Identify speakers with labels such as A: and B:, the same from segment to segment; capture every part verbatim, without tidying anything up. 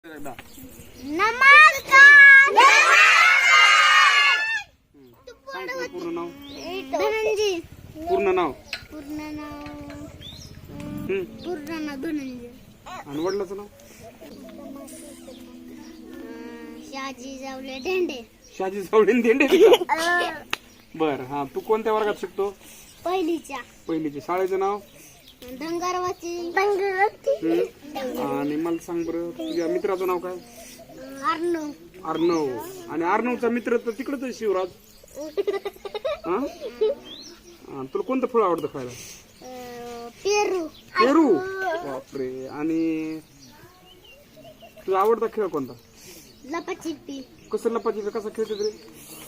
A: नमस्कार. पूर्ण नाव
B: धनंजय.
A: पूर्ण नाव
B: पूर्ण नाव
A: हम्म.
B: पूर्ण नाव धनंजय.
A: आणि वडिलाचं नाव
B: शहाजी जावले ढेंडे.
A: शहाजी सावडेन धेंडे. बर हा तू कोणत्या वर्गात शिकतो?
B: पहिलीच्या.
A: पहिलीचे. शाळेचं नाव?
B: धंगारवाची.
A: हम्म. आणि मला सांग बरं तुझ्या मित्राचं नाव काय?
B: अर्णव.
A: अर्णव. आणि अर्णवचा मित्र तर तिकडच आहे शिवराज. हा? हा, तुला कोणतं फळ आवडतं खायला?
B: पेरू.
A: पेरू. बापरे. आणि तुझा आवडता खेळ कोणता?
B: लपाछपी.
A: कसं लपाछपी कसा खेळतात रे?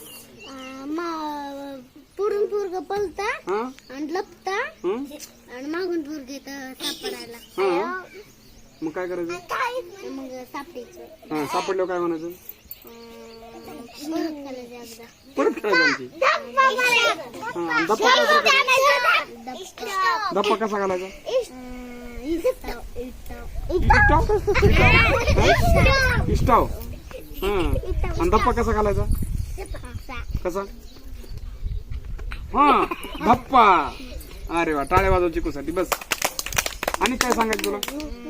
B: पुरून पुरग पलता
A: हा
B: आणि लपता
A: हं?
B: आणि मागून पुरग सापडायला.
A: हा मग काय करायचं?
B: मग सापडायचं.
A: हा सापडल्यावर काय म्हणायचं?
B: परत खायला एकदा.
A: परत खेळायचं आमची. हा धप्पा काय धप्पा कसा घालायचा? इष्टाव. हा आणि धप्पा कसा घालायचा? कसा? हा धप्पा. अरे वा टाळ्या वाजव चिकूसाठी. बस. आणि काय सांगायचं तुला?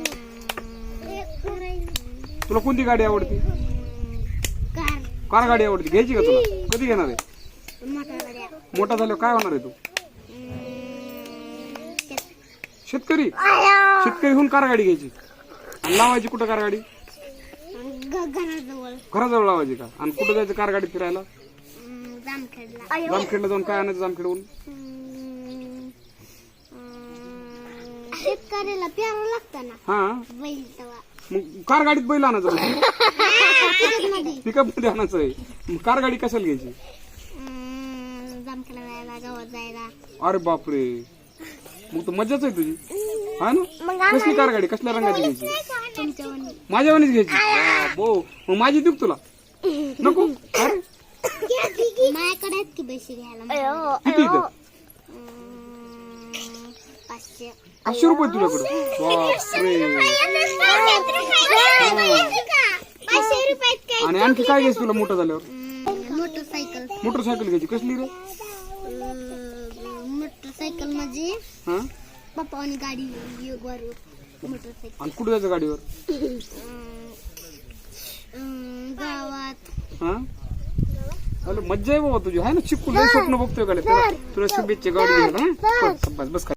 A: तुला कोणती गाडी आवडती? कार गाडी आवडती. घ्यायची का तुला? कधी घेणार आहे? मोठा झाल्यावर काय होणार आहे तू? शेतकरी. शेतकरी होऊन कार गाडी घ्यायची. आणि लावायची कुठं कार गाडी? घराजवळ लावायची का? आणि कुठं जायचं कार गाडीत फिरायला? जामखेडला जाऊन काय आणायचं जामखेडहून?
B: शेतकऱ्याला प्यारा लागतं ना.
A: हा
B: बैल तवा.
A: मग कार गाडीत बैल आणायचं? पिकअप मध्ये आणायचं आहे. मग कार गाडी कशाला घ्यायची?
B: जामखेडला जायला, गावात जायला.
A: अरे बापरे. मग तर मजाच आहे तुझी. हा ना. कसली कार गाडी? कसल्या रंगाची घ्यायची? माझ्या वाणीच घ्यायची. हो मग माझी देऊ तुला? नको. अरे
B: माझ्याकडे आहेत की पैसे घ्यायला.
A: किती इथं?
B: पाचशे.
A: पाचशे रुपये तुझ्याकडे? बापरे. आणि आणखी काय घ्यायचं तुला मोठं झाल्यावर?
B: मोटरसायकल.
A: मोटरसायकल घ्यायची. कसली रे?
B: मोटरसायकल म्हणजे
A: हा
B: पप्पा आणि गाडी मोटरसायकल.
A: आणि कुठे जायचं गाडीवर?
B: गावात.
A: हा अरे मज्जा आहे बाबा तुझी. आहे ना चिकू. लय स्वप्न बघतोय का? तुला शुभेच्छा गाडी घ्यायला. बस बस.